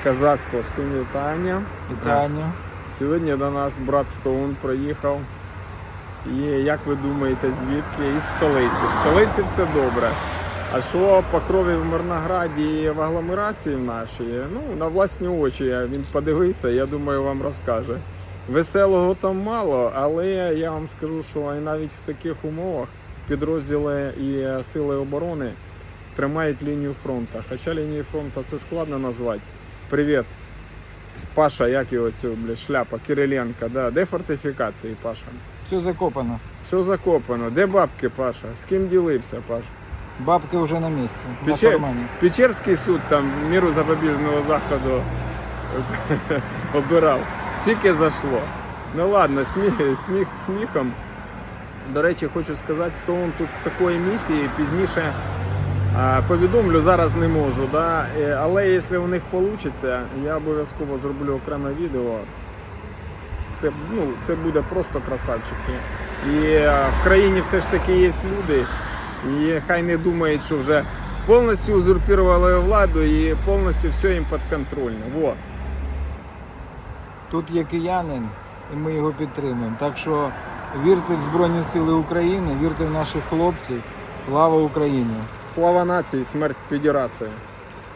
Козацтво, всім вітання. Вітання. Сьогодні до нас брат Стоун приїхав. І як ви думаєте, звідки? Із столиці. В столиці все добре. А що по крові в Мирнограді і в агломерації в нашій? Ну, на власні очі він подивився, я думаю, вам розкаже. Веселого там мало, але я вам скажу, що і навіть в таких умовах підрозділи і сили оборони тримають лінію фронту. Хоча лінію фронту це складно назвати. Привіт, Паша, як його цю, шляпа, Кириленко, да? Де фортифікації, Паша? Все закопано. Все закопано. Де бабки, Паша? З ким ділився, Паша? Бабки вже на місці. На кармані. Печерський суд там міру запобіжного заходу обирав. Скільки зайшло. Ну ладно, сміхом. До речі, хочу сказати, Стоун тут з такої місії пізніше повідомлю, зараз не можу, да? Але якщо у них вийде, я обов'язково зроблю окреме відео. Це буде просто красавчики. І в країні все ж таки є люди, і хай не думають, що вже повністю узурпували владу і повністю все їм підконтрольно. Во. Тут є киянин, і ми його підтримуємо. Так що вірте в Збройні Сили України, вірте в наших хлопців. Слава Україні! Слава нації, смерть федерації!